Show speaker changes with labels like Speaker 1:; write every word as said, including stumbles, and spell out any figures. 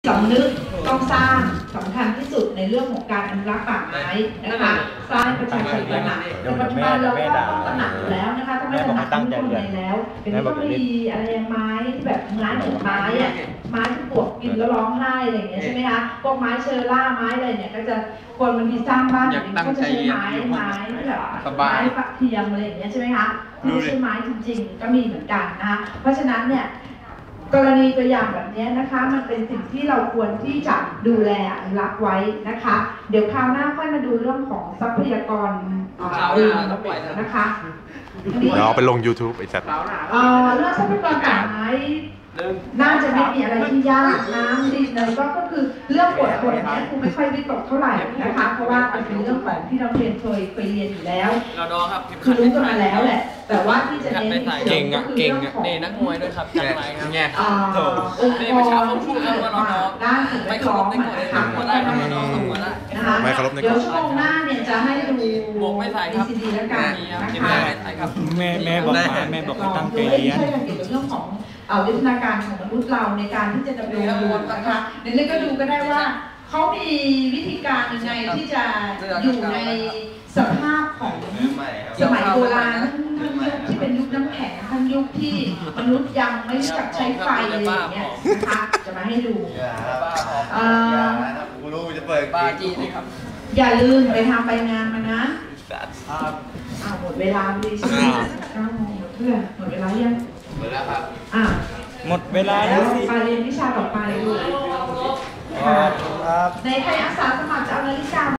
Speaker 1: สำนึกต้องสร้างสำคัญที่สุดในเรื่องของการอนุรักษ์ป่าไม้นะคะสร้างประชาชนตระหนักแต่ปัจจุบันเราก็ต้องตระหนักอยู่แล้วนะคะถ้าไม่ตระหนักต้องทำไงแล้วเดี๋ยวนี้ก็มีอะไรไม้ที่แบบไม้ถูกไม้อะไม้ที่ปวกกินแล้วร้องไห้อะไรอย่างเงี้ยใช่ไหมคะพวกไม้เชอร่าไม้อะไรเนี่ยก็จะคนบางทีสร้างบ้านอย่างนี้ก็จะใช้ไม้ไม้ที่แบบไม้ฝักเทียมอะไรอย่างเงี้ยใช่ไหมคะที่ไม่ใช่ไม้จริงๆก็มีเหมือนกันนะคะเพราะฉะนั้นเนี่ยกรณีตัวอย่างแบบนี้นะคะมันเป็นสิ่งที่เราควรที่จะดูแลอนุรักษ์ไว้นะคะเดี๋ยวคราวหน้าค่อยมาดูเรื่องของทรัพยากรอื่นนะคะ
Speaker 2: เดี๋ยวเอาไปลง ยูทูบ ไอ้สัตว์
Speaker 1: เรื่องทรัพยากรป่าไม้น่าจะไม่มีอะไรที่ยากน้ำดินเลยก็ก็คือเรื่องปวดปวดนี้คงไม่ค่อยวิตกเท่าไหร่นะคะเพราะว่าเป็นเรื่องของที่เราเรียนเคยเคยเรียนอยู่แล้วคือรู้กันมาแล้วแหละแต่ว่าที่จะเน้น
Speaker 3: เก่งอ่ะเก่งอ่ะ
Speaker 4: นี่นักมวยด้วยครับจังไรครับเนี่ย
Speaker 1: โอ้
Speaker 4: นี่มาเช้าผมพูดครับว่าเรา
Speaker 1: ด้านสิ่งแวดล้อม
Speaker 4: นะคะก็ได้ทำให้เราสมบูรณ์แล้ว
Speaker 1: นะคะเดี๋ยวชั่วโมงหน้าเนี่ยจะให้ดู
Speaker 4: หมวกไม่ใส่ครับ
Speaker 1: ซีดีแล้วกันนะคะ
Speaker 3: แม่แม่บอกมาแม่บอกให้ตั้งใจเรียน
Speaker 1: เรื่องของเอาวิทยาการของมนุษย์เราในการที่จะดำรงอยู่นะคะเดี๋ยวนี้ก็ดูก็ได้ว่าเขามีวิธีการยังไงที่จะอยู่ในสภาพของสมัยโบราณทั้งยุคที่เป็นยุคน้ำแข็งทั้งยุคที่มนุษย์ยังไม่รู้จักใช้ไฟอะไรอย่างเงี้ยนะคะจะมาให้ดู
Speaker 2: กูรู้จะเปิด
Speaker 4: บ้าจีนะครับ
Speaker 1: อย่าลืมไปทำใบงานมานะอ้าวหมดเวลาดีใช่ไหมเก้าโมงเพื่อนหมดเวลายัง
Speaker 4: หมดแล้วครับ
Speaker 1: อ่า
Speaker 3: หมดเวลาแล้วสิ
Speaker 1: ไปเรียนวิชาต่อไปลูกในใครอาสาสมัครจะเอานาฬิกา